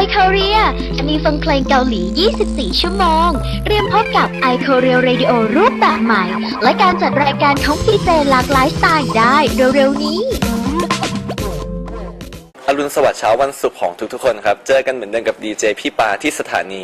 iKorea จะมีฟังเพลงเกาหลี 24 ชั่วโมงเตรียมพบกับ iKorea Radio รูปแบบใหม่ และการจัดรายการของดีเจหลากหลายสไตล์ได้เร็วๆนี้อรุณสวัสดิ์เช้าวันศุกร์ของทุกๆคนครับเจอกันเหมือนเดิมกับดีเจพี่ปาที่สถานี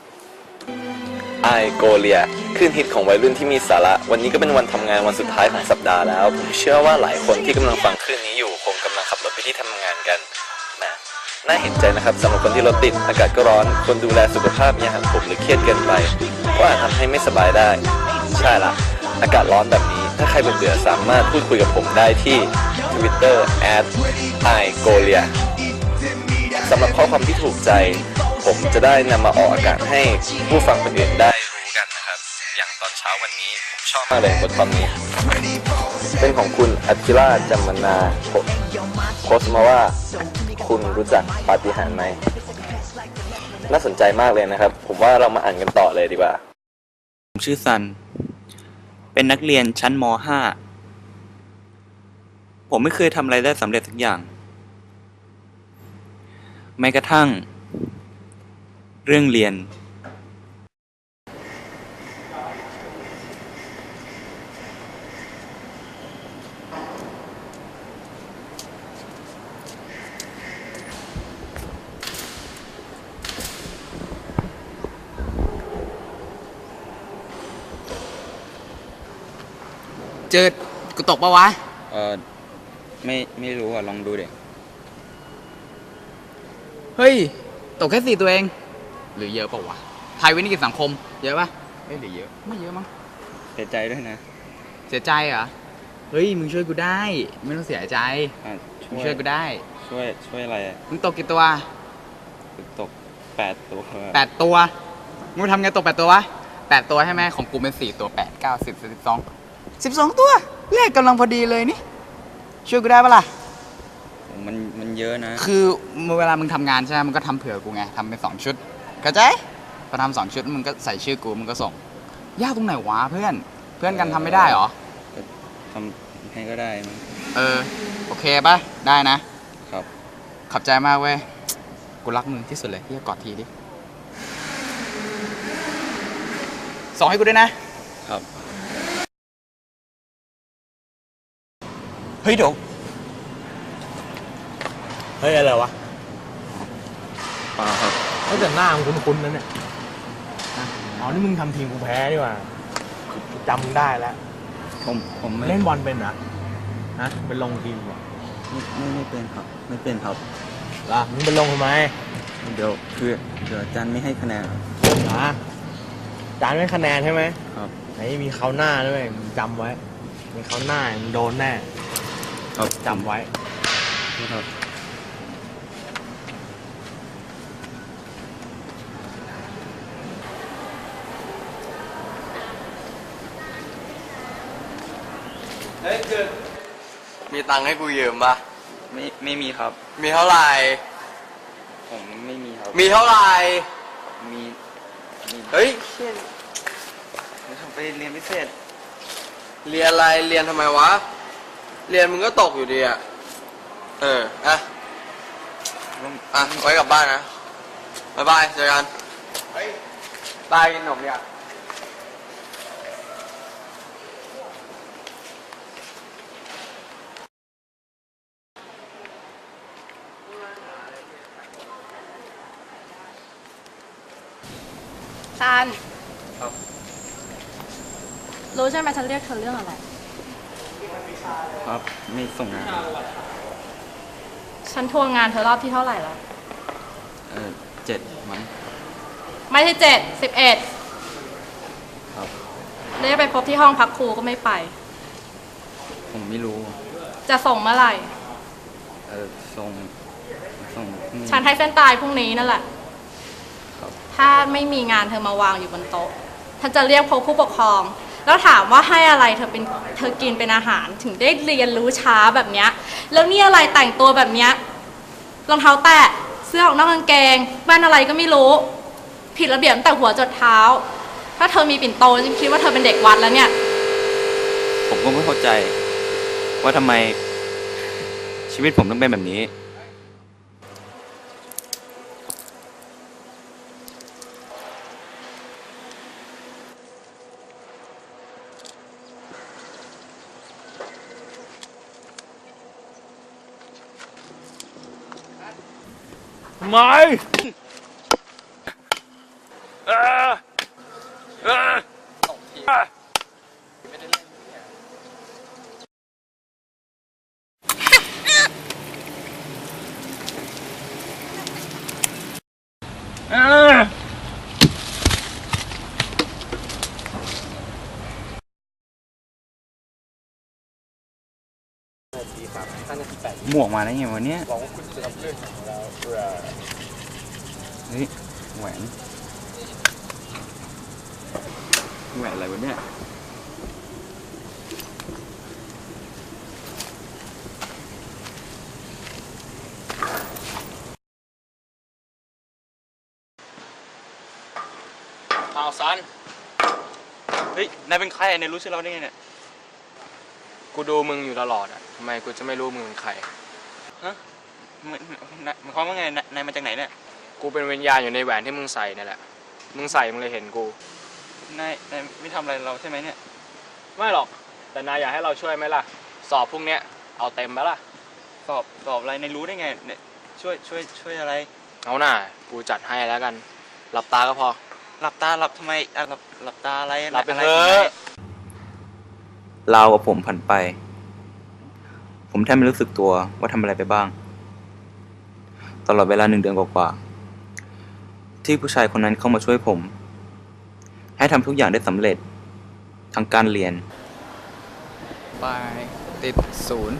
iKorea คลื่นฮิตของวัยรุ่นที่มีสาระวันนี้ก็เป็นวันทำงานวันสุดท้ายของสัปดาห์แล้วผมเชื่อว่าหลายคนที่กำลังฟังคลื่นนี้อยู่คงกำลังขับรถไปที่ทำงานกันน่าเห็นใจนะครับสำหรับคนที่รถติดอากาศก็ร้อนคนดูแลสุขภาพอย่างผมหรือเครียดเกินไปก็อาจทำให้ไม่สบายได้ใช่ละอากาศร้อนแบบนี้ถ้าใครเบื่อสามารถพูดคุยกับผมได้ที่ Twitter @iKorea สำหรับข้อความที่ถูกใจผมจะได้นำมาออกอากาศให้ผู้ฟังคนอื่นได้รู้กันนะครับอย่างตอนเช้าวันนี้ผมชอบมากเลยบทความนี้เป็นของคุณอัคิราจัมมนาโพสต์มาว่าคุณรู้จักปาฏิหาริย์ไหมน่าสนใจมากเลยนะครับผมว่าเรามาอ่านกันต่อเลยดีกว่าผมชื่อซันเป็นนักเรียนชั้นม.5 ผมไม่เคยทำอะไรได้สำเร็จสักอย่างแม้กระทั่งเรื่องเรียนเจอกูตกปะวะไม่รู้อ่ะลองดูเด็กเฮ้ยตกแค่4ตัวเองหรือเยอะปะวะไทยวินิกิจสังคมเยอะปะหรือเยอะไม่เยอะมั้งเสียใจด้วยนะเสียใจเหรอเฮ้ยมึงช่วยกูได้ไม่ต้องเสียใจมึงช่วยกูได้ช่วยอะไรมึงตกกี่ตัวตก8 ตัว 8 ตัวมึงทำไงตก8 ตัววะ8 ตัวใช่ไหมของกูเป็น4 ตัว8 9 10 12ตัวเลขกำลังพอดีเลยนี่ช่วยกูได้ปะล่ะมันเยอะนะคือเวลามึงทำงานใช่ไหมมึงก็ทำเผื่อกูไงทำเป็น2 ชุดเข้าใจพอทำ2 ชุดมึงก็ใส่ชื่อกูมึงก็ส่งยากตรงไหนวะเพื่อนกันทำไม่ได้หรอทำให้ก็ได้มั้งโอเคปะได้นะครับขอบใจมากเว้ยกูรักมึงที่สุดเลยที่จะกอดทีดิส่งให้กูด้วยนะครับเฮ้ยเดี๋ยวเฮ้ยอะไรวะเปล่าครับเขาแต่หน้ามึงคุ้นๆนั่นเนี่ยอ๋อนี่มึงทำทีมกูแพ้ดีกว่าจำมึงได้แล้วผมเล่นบอลเป็นนะเป็นลงทีมเหรอไม่เป็นครับไม่เป็นครับล่ะมึงเป็นลงทำไมเดี๋ยวอาจารย์ไม่ให้คะแนนอาจารย์ไม่คะแนนใช่ไหมครับไหนมีเขาหน้าด้วยมึงจำไว้มีเขาหน้ามึงโดนแน่ครับจำไว้ครับมีตังค์ให้กูยืมปะไม่มีครับมีเท่าไหร่ผมไม่มีครับมีเท่าไหร่มีเฮ้ยผมไปเรียนพิเศษเรียนอะไรเรียนทำไมวะเรียนมึงก็ตกอยู่ดีอ่ะอ่ะไว้กลับบ้านนะบ๊ายบายเจอกันบายกินขนมเนี่ยซันรู้ใช่ไหมฉันเรียกเธอเรื่องอะไรครับไม่ส่งงานฉันทวงงานเธอรอบที่เท่าไหร่แล้ว 7มั้งไม่ใช่7 11 ครับเรียกไปพบที่ห้องพักครูก็ไม่ไปผมไม่รู้จะส่งเมื่อไหร่ส่งฉันให้เส้นตายพรุ่งนี้นั่นแหละถ้าไม่มีงานเธอมาวางอยู่บนโต๊ะฉันจะเรียกพบผู้ปกครองแล้วถามว่าให้อะไรเธอกินเป็นอาหารถึงได้เรียนรู้ช้าแบบเนี้ยแล้วนี่อะไรแต่งตัวแบบเนี้ยรองเท้าแตะเสื้อออกนอกกางเกงแว่นอะไรก็ไม่รู้ผิดระเบียบตั้งแต่หัวจรดเท้าถ้าเธอมีปิ่นโตฉันคิดว่าเธอเป็นเด็กวัดแล้วเนี่ยผมก็ไม่เข้าใจว่าทำไมชีวิตผมต้องเป็นแบบนี้ทำไมเอ่อเอ่อตกทีไม่ได้เล่นเนี่ยเอ่อ หมวกมาได้ไงวะเนี่ยบอกว่าคุณจะทำเรื่องของเราเพื่อเฮ้ยแหวนแหวนอะไรวะเนี่ยเอาซันเฮ้ย นายเป็นใครนายรู้ชื่อเราได้ไงเนี่ยกูดูมึงอยู่ตลอดอ่ะทำไมกูจะไม่รู้มึงเป็นใครฮะหมายความว่าไง นายมาจากไหนเนี่ยกูเป็นวิญญาณอยู่ในแหวนที่มึงใส่นั่นแหละ มึงใส่มึงเลยเห็นกูนายไม่ทำอะไรเราใช่ไหมเนี่ยไม่หรอก แต่นายอยากให้เราช่วยไหมล่ะ สอบพวกเนี้ยเอาเต็มไหมล่ะสอบอะไรนายรู้ได้ไงเนี่ยช่วยอะไรเอาหน่ากูจัดให้แล้วกัน หลับตาก็พอหลับตาหลับทำไมอ่ะหลับตาอะไรหลับไปอะไรเถอะลาวกับผมผ่านไป ผมแทบไม่รู้สึกตัวว่าทำอะไรไปบ้าง ตลอดเวลา1 เดือนกว่าๆที่ผู้ชายคนนั้นเข้ามาช่วยผม ให้ทำทุกอย่างได้สำเร็จทั้งการเรียนไปติด0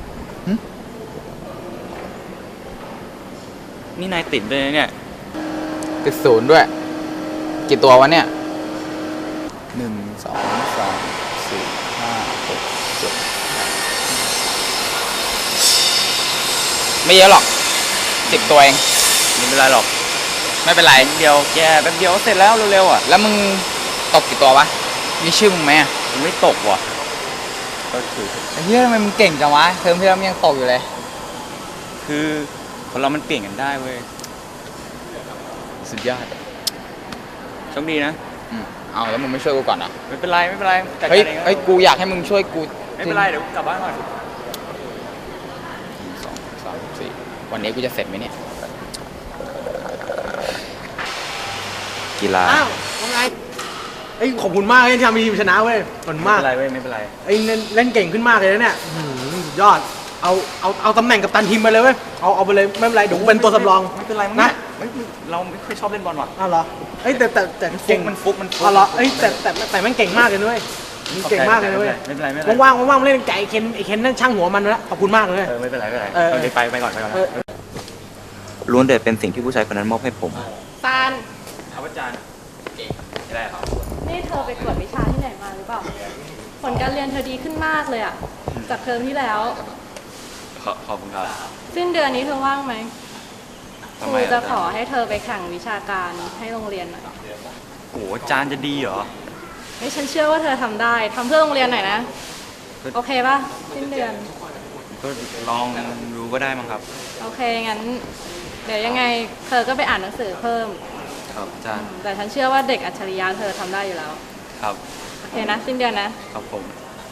นี่นายติดด้วยนะเนี่ยติด0ด้วย กี่ตัววะเนี่ย1 2 3 4 5 6 7 ไม่เยอะหรอก10 ตัวเองไม่เป็นไรหรอกไม่เป็นไรเดียวแกแป๊บเดียวก็เสร็จแล้วเร็วๆอ่ะแล้วมึงตกกี่ตัววะ มีชื่อมึงไหมอะมันไม่ตกว่ะก็คือไอ้เหี้ยทำไมมึงเก่งจังวะ เทอมที่แล้วมึงยังตกอยู่เลยคือคนเรามันเปลี่ยนกันได้เว้ยสุดยอดโชคดีนะเอาแล้วมึงไม่ช่วยกูก่อนอ่ะไม่เป็นไรจัดเฮ้ยการเองเฮ้ย กูอยากให้มึงช่วยกูไม่เป็นไรเดี๋ยวกูกลับบ้านก่อน 1 2 3 4 วันนี้กูจะเสร็จไหมเนี่ยกีฬาอ้าวว่าไงไอ้ยขอบคุณมากเลยที่ทำให้ทีมชนะเว้ยขอบคุณไม่มากเป็นไรเว้ยไม่เป็นไรไอ้เล่นเก่งขึ้นมากเลยนะเนี่ยอื้อหือสุดยอด เอาตำแหน่งกัปตันทีมไปเลยเว้ย เอาไปเลยไม่เป็นไรเดี๋ยวกูเป็นตัวสำรองไม่เป็นไรมั้งนะเราไม่ค่อยชอบเล่นบอลว่ะอ้าวเหรอเอ้ยแต่มันฟุเก่กงมันฟุกอ้าวเหรอเอ้ยแต่มันเก่งมากเลยนะเว้ยมันเก่งมากเลยนะเว้ยไม่เป็นไรไม่เป็นไรว่างๆมาเล่นไก่ไอ้เคนนั่นช่างหัวมันแล้วขอบคุณมากเลยไม่เป็นไรไม่เป็นไรเออโอเคไปก่อนเออล้วนแต่เป็นสิ่งที่ผู้ชายคนนั้นมอบให้ผมซันครับอาจารย์อะไรครับนี่เธอไปกวดวิชาที่ไหนมาหรือเปล่า ผลการเรียนเธอดีขึ้นมากเลยอะจากเทอมที่แล้วขอบคุณครับสิ้นเดือนนี้เธอว่างไหมคทำรูไมจะขอให้เธอไปแข่งวิชาการให้โรงเรียนหน่อยโอ้โหอาจารย์จะดีเหรอนี่ฉันเชื่อว่าเธอทำได้ทำเพื่อโรงเรียนหน่อยนะ โอเคป่ะ สิ้นเดือนก็ลองดูก็ได้มั้งครับโอเค งั้น เดี๋ยวยังไงเธอก็ไปอ่านหนังสือเพิ่มครับอาจารย์แต่ฉันเชื่อว่าเด็กอัจฉริยะเธอทำได้อยู่แล้วครับโอเคนะ สิ้นเดือนนะครับผม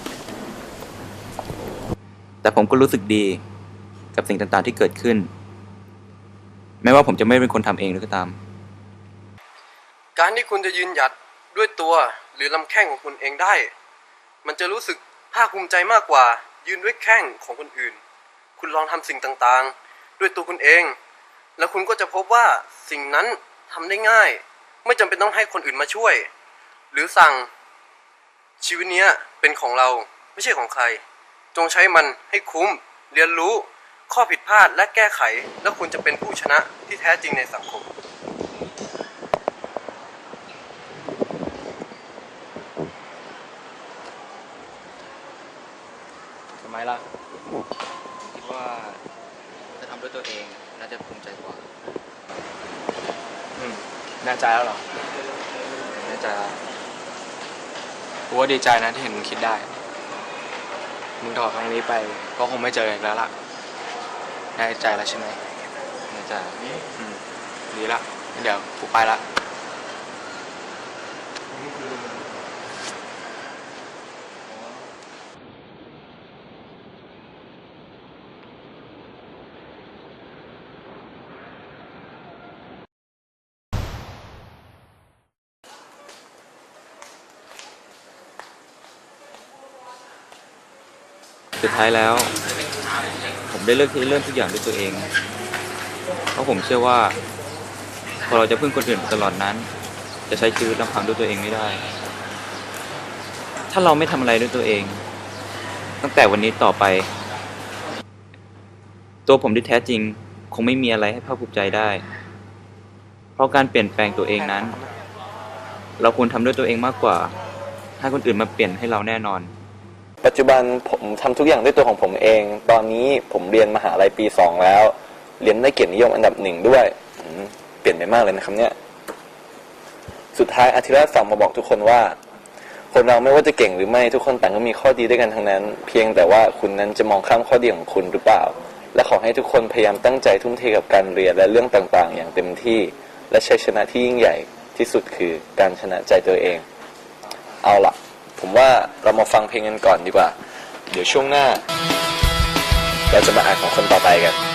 แต่ผมก็รู้สึกดีกับสิ่งต่างๆที่เกิดขึ้น แม้ว่าผมจะไม่เป็นคนทำเองก็ตามการที่คุณจะยืนหยัดด้วยตัวหรือลำแข้งของคุณเองได้ มันจะรู้สึกภาคภูมิใจมากกว่ายืนด้วยแข้งของคนอื่น คุณลองทำสิ่งต่างๆ ด้วยตัวคุณเอง แล้วคุณก็จะพบว่าสิ่งนั้นทำได้ง่าย ไม่จำเป็นต้องให้คนอื่นมาช่วย หรือสั่งชีวิตเนี้ยเป็นของเราไม่ใช่ของใคร จงใช้มันให้คุ้มเรียนรู้ข้อผิดพลาดและแก้ไข แล้วคุณจะเป็นผู้ชนะที่แท้จริงในสังคม ทำไมล่ะคิดว่าจะทำด้วยตัวเองน่าจะภูมิใจกว่าแน่ใจแล้วเหรอแน่ใจแล้วกูว่าดีใจนะที่เห็นมึงคิดได้ มึงถอดครั้งนี้ไปก็คงไม่เจออีกแล้วล่ะ แน่ใจแล้วใช่ไหมแน่ใจดีละงั้นเดี๋ยวกูไปละสุดท้ายแล้ว ผมได้เลือกที่เริ่มทุกอย่างด้วยตัวเอง เพราะผมเชื่อว่าพอเราจะพึ่งคนอื่นไปตลอดนั้น จะใช้ชีวิตลำพังด้วยตัวเองไม่ได้ ถ้าเราไม่ทำอะไรด้วยตัวเอง ตั้งแต่วันนี้ต่อไป ตัวผมที่แท้จริงคงไม่มีอะไรให้ภาคภูมิใจได้ เพราะการเปลี่ยนแปลงตัวเองนั้น เราควรทำด้วยตัวเองมากกว่าให้คนอื่นมาเปลี่ยนให้เราแน่นอนปัจจุบันผมทำทุกอย่างด้วยตัวของผมเอง ตอนนี้ผมเรียนมหาลัยปี 2 แล้ว เรียนได้เกียรตินิยมอันดับ 1 ด้วยเปลี่ยนไปมากเลยนะครับเนี่ยสุดท้ายอาทิตย์แรกฝากมาบอกทุกคนว่าคนเราไม่ว่าจะเก่งหรือไม่ทุกคนต่างก็มีข้อดีด้วยกันทั้งนั้น เพียงแต่ว่าคุณนั้นจะมองข้ามข้อดีของคุณหรือเปล่า และขอให้ทุกคนพยายามตั้งใจทุ่มเทกับการเรียนและเรื่องต่างๆ อย่างเต็มที่และชัยชนะที่ยิ่งใหญ่ที่สุดคือการชนะใจตัวเองเอาล่ะผมว่าเรามาฟังเพลงกันก่อนดีกว่าเดี๋ยวช่วงหน้าเราจะมาอ่านของคนต่อไปกัน